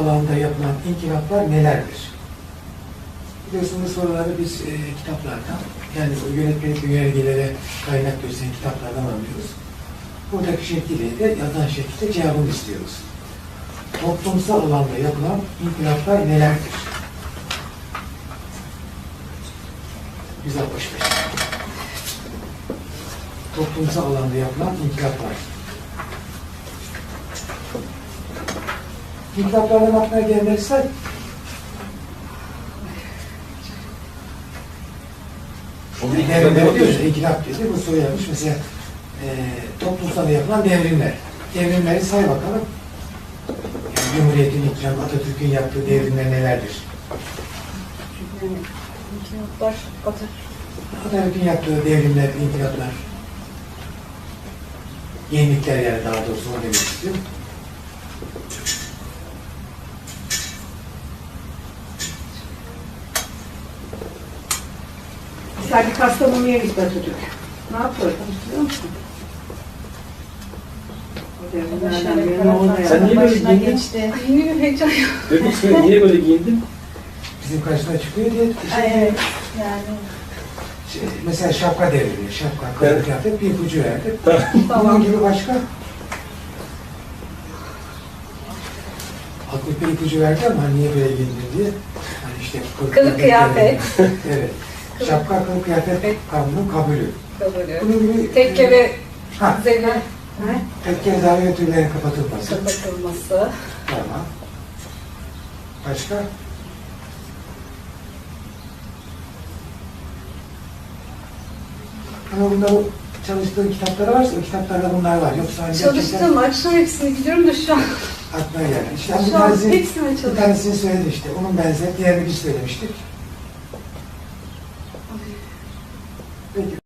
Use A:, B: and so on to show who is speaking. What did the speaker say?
A: alanda yapılan inkılaplar nelerdir? Biliyorsunuz soruları biz kitaplardan, yani o yönetmelik yönergelere kaynak gösteren kitaplardan alıyoruz. Buradaki şekliyle de yazan şekilde cevabını istiyoruz. Toplumsal alanda yapılan inkılaplar nelerdir? 165. Toplumsal alanda yapılan inkılaplar. İnkılaplardan aklına gelenleri say. Devrimler diyoruz, inkılap dedi, bu soru yapmış. Mesela toplumsal yapılan devrimler. Devrimleri say bakalım. Yani Cumhuriyet'in inkılabı, Atatürk'ün yaptığı devrimler nelerdir?
B: İnkılaplar,
A: Atatürk'ün yaptığı devrimler, inkılaplar, yenilikler yani daha doğrusu onu demek istiyorum.
B: mesela bir Kastamonu'ya gitti Atatürk. Ne yapıyor? Biliyor musun?
C: Sen niye böyle giyindin?
B: Yeni bir heyecan yok.
C: Demek ki niye böyle giyindin?
A: Bizim karşısına çıkıyor diye
B: Evet, yani.
A: mesela şapka devrimi, şapka, kılık kıyafet bir ipucu verdi.
B: Tamam.
A: Bunun gibi başka? Aklı bir ipucu verdi ama niye böyle giyindin diye. Hani işte
B: Kılık kıyafet.
A: Evet. Şapka, kılık kıyafet kanunun kabulü.
B: Kabulü.
A: Bunun gibi
B: Tekke ve
A: ha,
B: zemin
A: tekke zaviye türlerin kapatılması.
B: kapatılması.
A: Tamam. Başka? Ama bunda o çalıştığın kitapları varsa o kitaplarda bunlar var. Yoksa hani
B: Çalıştım, akşam hepsini biliyorum da şu an.
A: aklına geldi. İşte
B: Şu an hepsini
A: bir
B: çalıştım.
A: tanesini söyledi işte. Onun benzeri diğerini biz söylemiştik. Peki.